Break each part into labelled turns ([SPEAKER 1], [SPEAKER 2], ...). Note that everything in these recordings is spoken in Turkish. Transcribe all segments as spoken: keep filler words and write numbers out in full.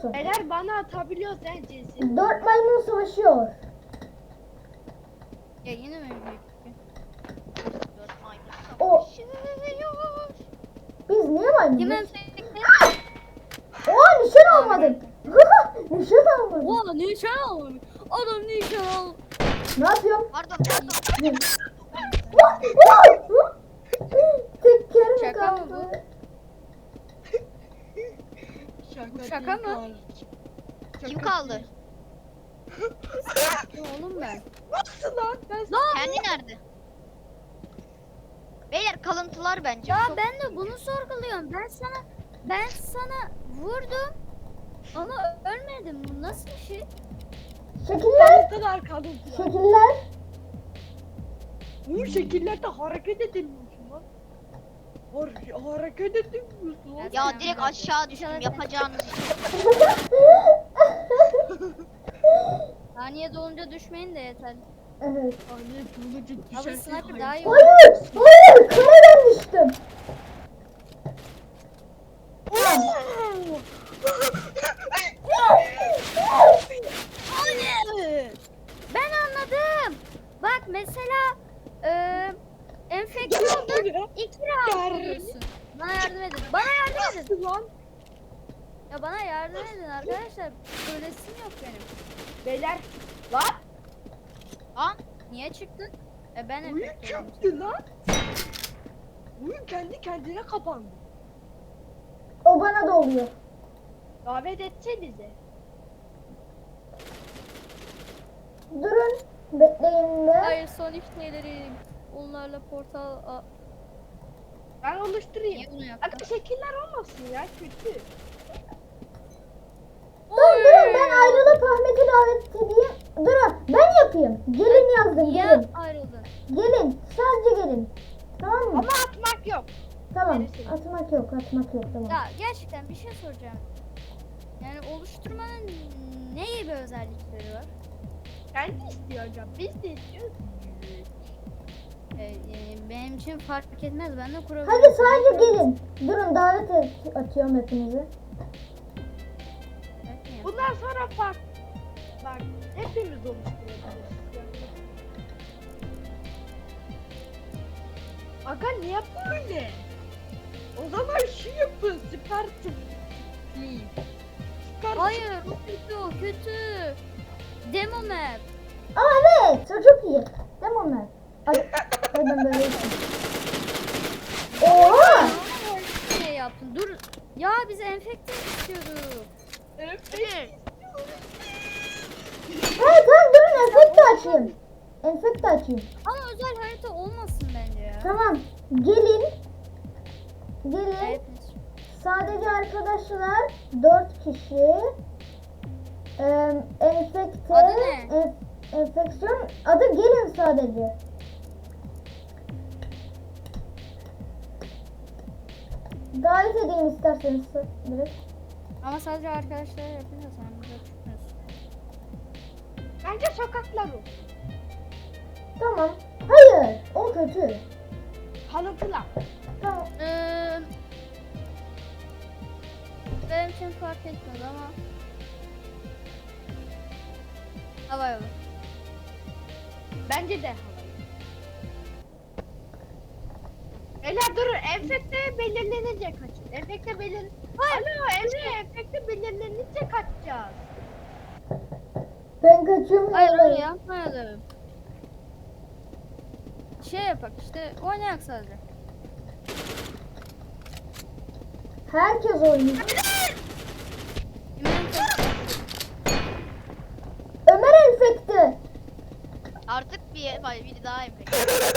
[SPEAKER 1] musun?
[SPEAKER 2] Eğer bana atabiliyorsan cinsin.
[SPEAKER 1] Dört maymun savaşıyor.
[SPEAKER 3] Ya yine mi?
[SPEAKER 4] Dört maymun
[SPEAKER 1] O-
[SPEAKER 4] savaşıyor.
[SPEAKER 1] Biz niye
[SPEAKER 3] Kim
[SPEAKER 1] maymunuz?
[SPEAKER 3] enfekte?
[SPEAKER 1] Oha nişan almadım. Nişan almadım.
[SPEAKER 3] Oha nişan almış. Adam nişan al.
[SPEAKER 1] Ne yapıyorum?
[SPEAKER 4] Pardon pardon.
[SPEAKER 1] Tekerim
[SPEAKER 3] Şaka mı
[SPEAKER 1] kaldı.
[SPEAKER 3] Bu şaka mı?
[SPEAKER 4] Kim kaldı?
[SPEAKER 3] Oğlum ben.
[SPEAKER 2] Nasıl lan? Ben
[SPEAKER 4] Kendi nerede? Beyler kalıntılar bence.
[SPEAKER 3] Ya
[SPEAKER 4] Çok-
[SPEAKER 3] ben de bunu sorguluyorum. Ben sana ben sana vurdum ama ölmedim. Bu nasıl bir şey?
[SPEAKER 1] Şekiller.
[SPEAKER 2] kalıntılar kalıntılar.
[SPEAKER 1] Şekiller.
[SPEAKER 2] Bu şekillerde hareket edilmiyorsun lan. Har hareket edilmiyorsun lan.
[SPEAKER 4] Ya direkt aşağı düştüm yapacağınız iş.
[SPEAKER 3] Saniye dolunca düşmeyin de yeter.
[SPEAKER 1] Evet.
[SPEAKER 2] Anne kılıcı
[SPEAKER 3] Abi
[SPEAKER 2] düşerse
[SPEAKER 3] sniper daha iyi.
[SPEAKER 1] Hayır. Hayır. Kameradan düştüm.
[SPEAKER 3] Ben anladım. Bak mesela eee enfeksiyonda iki round oluyorsun. Bana yardım edin. Bana yardım edin.
[SPEAKER 2] lan.
[SPEAKER 3] Ya bana yardım edin arkadaşlar. Ölesim yok benim.
[SPEAKER 2] Beyler. Lan.
[SPEAKER 4] Lan
[SPEAKER 3] Niye çıktın? E ben
[SPEAKER 2] Oyun
[SPEAKER 3] enfekte oldum.
[SPEAKER 2] çöktü lan. Oyun kendi kendine kapandı.
[SPEAKER 1] O bana da oluyor.
[SPEAKER 2] Davet etsenize.
[SPEAKER 1] Durun. Bekleyin be.
[SPEAKER 3] Hayır son işlerim. Onlarla portal... Aa,
[SPEAKER 2] Ben oluşturayım.
[SPEAKER 3] niye bunu yaptın?
[SPEAKER 2] Aga şekiller olmasın ya kötü.
[SPEAKER 1] Durun durun ben ayrılıp Ahmet'i davet edeyim. Durun ben yapayım. Gelin yazdım
[SPEAKER 3] Niye
[SPEAKER 1] gelin.
[SPEAKER 3] ayrıldın?
[SPEAKER 1] Gelin. Sadece gelin. Tamam mı?
[SPEAKER 2] Ama atmak yok.
[SPEAKER 1] Tamam.
[SPEAKER 2] Neresi?
[SPEAKER 1] Atmak yok atmak yok tamam.
[SPEAKER 3] Ya gerçekten bir şey soracağım. Yani oluşturmanın ne gibi özellikleri var?
[SPEAKER 2] Kendi istiyor hocam. Biz de istiyoruz.
[SPEAKER 3] E, e, benim için fark etmez. Ben de kurabilirim.
[SPEAKER 1] Hadi sadece gelin. Durun davet et- atıyorum hepinizi.
[SPEAKER 3] Evet, niye?
[SPEAKER 2] Bundan sonra fark. Bak hepimiz oluşturabiliriz. Aga niye böyle? O zaman şu yapın. Süper tıp- Süper
[SPEAKER 3] Hayır o kötü o kötü. Demo map.
[SPEAKER 1] Aa evet o çok iyi. Tamam mı? Ay, ay ben böyle yapayım. Oha!
[SPEAKER 3] Ne şey yaptın? Dur. Ya biz enfekte istiyorduk.
[SPEAKER 2] Evet.
[SPEAKER 1] Evet tamam durun enfekte açayım. Enfekte açayım.
[SPEAKER 3] Ama özel harita olmasın bence ya.
[SPEAKER 1] Tamam. Gelin. Gelin.
[SPEAKER 3] Evet.
[SPEAKER 1] Sadece arkadaşlar dört kişi. Ee, enfekte.
[SPEAKER 3] Adı ne?
[SPEAKER 1] enf- enfeksiyon. Adı gelin sadece. Davet edeyim isterseniz direkt.
[SPEAKER 3] Ama sadece arkadaşlar yapınca sen bize çıkmıyorsun.
[SPEAKER 2] Bence sokaklar olsun.
[SPEAKER 1] Tamam. Hayır. O kötü.
[SPEAKER 2] Kalıntılar.
[SPEAKER 1] Tamam.
[SPEAKER 3] Ee, benim için fark etmez ama hava yolu.
[SPEAKER 2] Bence de havayı. Beyler durun. Enfekte belirlenince kaçın. Enfekte belir... Alo Emre enfekte belirlenince kaçacağız.
[SPEAKER 1] Ben kaçıyorum.
[SPEAKER 3] Hayır
[SPEAKER 1] havaya.
[SPEAKER 3] öyle yapmayalım. Şey yapak işte oynayak sadece.
[SPEAKER 1] Herkes oynuyor.
[SPEAKER 3] Kimin enfekte?
[SPEAKER 1] Ömer enfekte.
[SPEAKER 4] artık bir vay biri daha enfekte.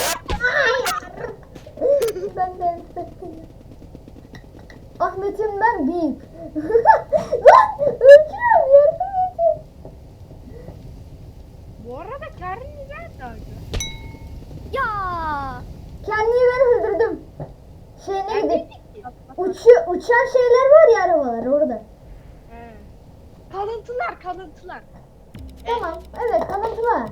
[SPEAKER 1] Ben de enfekteyim. Ahmet'im ben büyük. Lan ölüyorum yardım edin.
[SPEAKER 2] Bu arada Karin nerede acaba?
[SPEAKER 3] Ya
[SPEAKER 1] Kendimi ben öldürdüm. Şey neydi?
[SPEAKER 2] Neredeydi ki?
[SPEAKER 1] Uçu, uçan şeyler var ya arabalar orada.
[SPEAKER 2] He. Kalıntılar kalıntılar.
[SPEAKER 1] Tamam. Evet kalıntılar.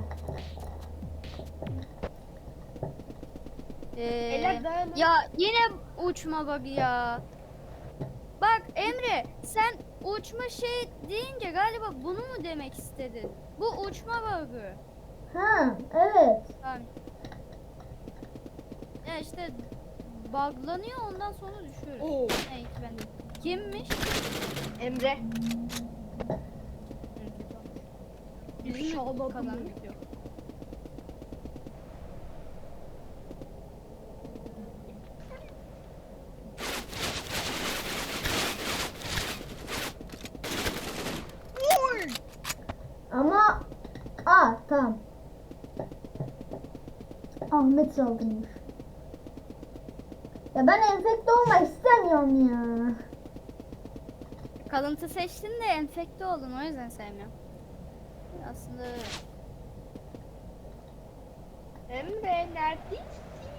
[SPEAKER 3] Ee,
[SPEAKER 2] Beyler dayanın.
[SPEAKER 3] ya yine uçma bug ya. Bak Emre sen uçma şey deyince galiba bunu mu demek istedin? Bu uçma bug'ı.
[SPEAKER 1] Ha evet.
[SPEAKER 3] Tamam. Ya işte buglanıyor ondan sonra düşüyor.
[SPEAKER 2] Oo.
[SPEAKER 3] Evet ben de. Kimmiş?
[SPEAKER 2] Emre.
[SPEAKER 3] Bizim
[SPEAKER 2] Bir şağladım
[SPEAKER 3] kalan.
[SPEAKER 2] bu video.
[SPEAKER 1] Ama aa tamam. Ahmet saldırmış. Ya ben enfekte olmak istemiyorum ya.
[SPEAKER 3] Kalıntı seçtin de enfekte oldun o yüzden sevmiyorum. Aslında öyle.
[SPEAKER 2] Emre neredesin?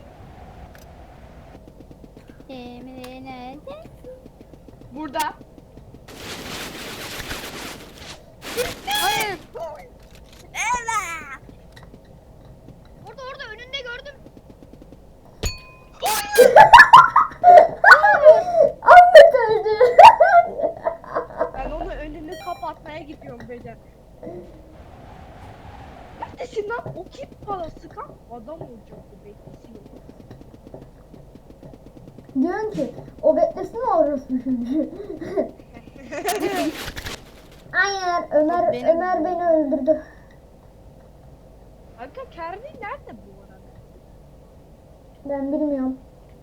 [SPEAKER 3] Emre nerede?
[SPEAKER 2] Burada.
[SPEAKER 3] Hayır.
[SPEAKER 4] Orada orada önünde gördüm.
[SPEAKER 1] Ahmet öldü.
[SPEAKER 2] Ben onun önünü kapatmaya gidiyorum Bece. Neredesin lan? O kim bana sıkan adam olacaktı bekliyor.
[SPEAKER 1] Diyorsun ki o beklesin orası çünkü. Hayır Ömer
[SPEAKER 3] Benim-
[SPEAKER 1] Ömer beni öldürdü.
[SPEAKER 2] Kanka Kervi nerede bu arada?
[SPEAKER 1] Ben bilmiyorum.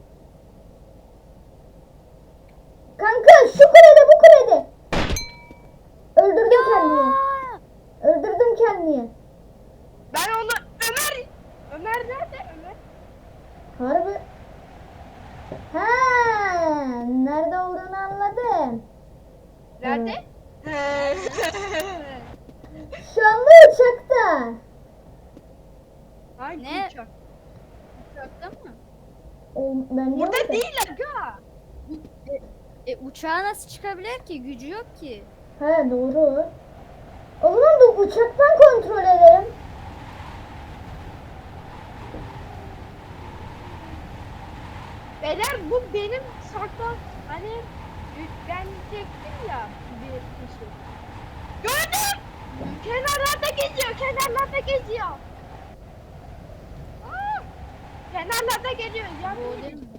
[SPEAKER 1] Kanka şu kulede bu kulede. Öldürdüm kendimi.
[SPEAKER 3] Aa!
[SPEAKER 1] Öldürdüm kendimi.
[SPEAKER 2] Ben onu Ömer Ömer nerede Ömer?
[SPEAKER 1] Harbi. Ha, nerede olduğunu anladım.
[SPEAKER 2] Nerede?
[SPEAKER 1] Şu anda uçakta.
[SPEAKER 2] Hangi
[SPEAKER 3] Ne?
[SPEAKER 2] uçak?
[SPEAKER 3] Uçakta mı?
[SPEAKER 1] O, bence
[SPEAKER 2] Burada
[SPEAKER 1] orada.
[SPEAKER 2] değil aga.
[SPEAKER 3] E uçağa nasıl çıkabilir ki? Gücü yok ki.
[SPEAKER 1] He doğru. O zaman da uçaktan kontrol edelim.
[SPEAKER 2] Beyler bu benim saklan hani ben çektim ya bir kişi. Gördüm. Kenarlarda geziyor, kenarlarda geziyor. Aa, kenarlarda geziyor.
[SPEAKER 3] Bu o
[SPEAKER 2] Yani
[SPEAKER 3] değil mi?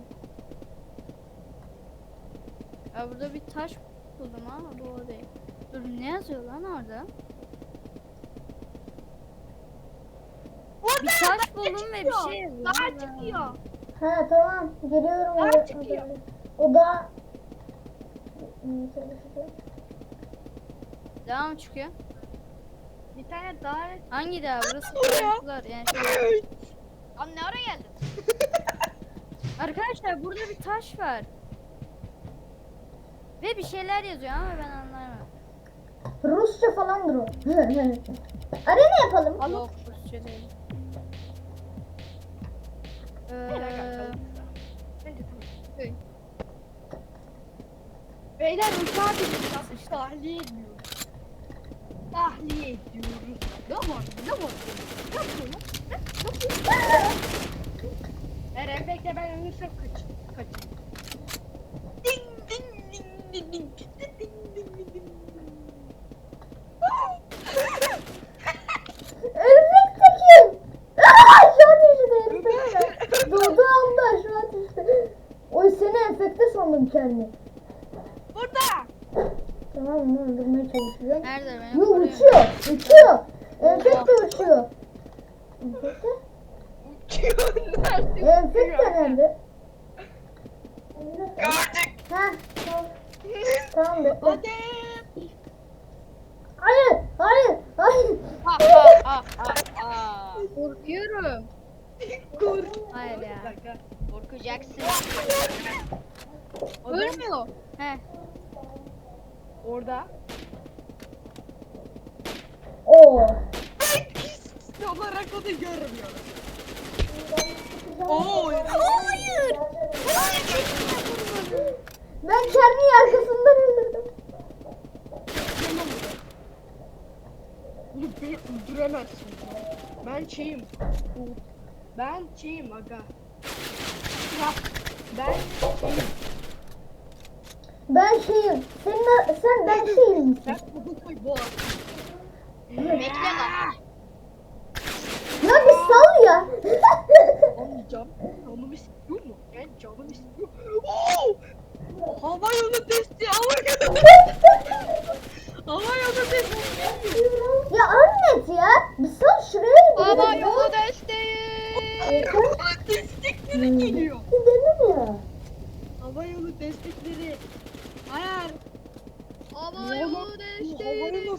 [SPEAKER 3] Ya burada bir taş buldum ama bu o değil. Dur ne yazıyor lan orada? Bir taş buldum ve bir şey yazıyor.
[SPEAKER 2] Daha
[SPEAKER 3] Allah.
[SPEAKER 2] çıkıyor.
[SPEAKER 1] Ha tamam geliyorum.
[SPEAKER 2] Daha
[SPEAKER 1] oraya.
[SPEAKER 2] çıkıyor.
[SPEAKER 1] O da Hmm, çalışacak.
[SPEAKER 3] Devam çıkıyor.
[SPEAKER 2] Bir tane daha.
[SPEAKER 3] Hangi daha? Burası
[SPEAKER 2] Buraya.
[SPEAKER 3] karanlıklar. Yani şöyle.
[SPEAKER 4] Lan ne ara geldin?
[SPEAKER 3] Arkadaşlar burada bir taş var. Ve bir şeyler yazıyor ama ben anlamıyorum.
[SPEAKER 1] Rusça falandır o. Arena yapalım.
[SPEAKER 3] Yok Rusça değil. Ee,
[SPEAKER 2] Beyler uçağa bineceğiz. Tahliye ediyoruz. Tahliye ediyoruz. Ne var? Ne var? Ne yapıyor lan? Ne yapıyor? Eren bekle ben ölürsem kaç. Kaç. Ding ding ding ding ding ding ding ding ding.
[SPEAKER 1] Örümcek kim? Aa, şu an düştü örümcekler. Doğduğu anda şu an düştü. Oy seni enfekte sandım kendimi.
[SPEAKER 2] Burada.
[SPEAKER 1] Tamam onu öldürmeye çalışacağım.
[SPEAKER 3] nerede benim?
[SPEAKER 1] Yo
[SPEAKER 3] koruyorum.
[SPEAKER 1] uçuyor. Uçuyor. Enfekte uçuyor. Enfekte?
[SPEAKER 2] Uçuyor. Nerede?
[SPEAKER 1] Enfekte nerede?
[SPEAKER 2] Gördük.
[SPEAKER 1] Ha tamam. Tamam bekle.
[SPEAKER 2] Hadi.
[SPEAKER 1] Hayır. Hayır. Hayır.
[SPEAKER 4] Ha ha ha ha ha.
[SPEAKER 3] Korkuyorum.
[SPEAKER 2] Kur.
[SPEAKER 3] Hayır ya.
[SPEAKER 2] Dakika.
[SPEAKER 4] Korkacaksın.
[SPEAKER 2] Adam
[SPEAKER 3] Ölmüyor. He.
[SPEAKER 2] orada.
[SPEAKER 1] Oo.
[SPEAKER 2] Ne olarak onu görmüyorum. Oo.
[SPEAKER 3] Hayır.
[SPEAKER 1] Ben kendimi arkasından öldürdüm.
[SPEAKER 2] Bunu beni öldüremezsin. Ben şeyim. Ben şeyim aga. Ya ben şeyim.
[SPEAKER 1] Ben şeyim. Senin, sen ben şeyim misin?
[SPEAKER 2] Ben bu koy boğaz.
[SPEAKER 4] Bekle lan.
[SPEAKER 1] Ya bir sal ya.
[SPEAKER 2] Anlayacağım. Canım istiyor mu? Ben canım istiyor. Oo! Hava yolu testi. Hava yolu Hava yolu testi.
[SPEAKER 1] Ya Ahmet ya. Bir sal şuraya bir
[SPEAKER 4] Hava
[SPEAKER 1] ya.
[SPEAKER 4] yolu desteği.
[SPEAKER 2] Hava destekleri geliyor.
[SPEAKER 1] Gidelim ya.
[SPEAKER 2] Hava yolu destekleri. Hayır.
[SPEAKER 4] Hava
[SPEAKER 2] Ne
[SPEAKER 4] yolu
[SPEAKER 2] lan? Bu
[SPEAKER 4] desteği.
[SPEAKER 2] hava yolu-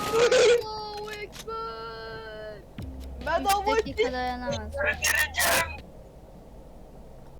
[SPEAKER 4] Allahu Ekber.
[SPEAKER 2] Ben
[SPEAKER 3] Üç
[SPEAKER 2] hava
[SPEAKER 3] dakika dayanamaz.
[SPEAKER 2] Öldüreceğim.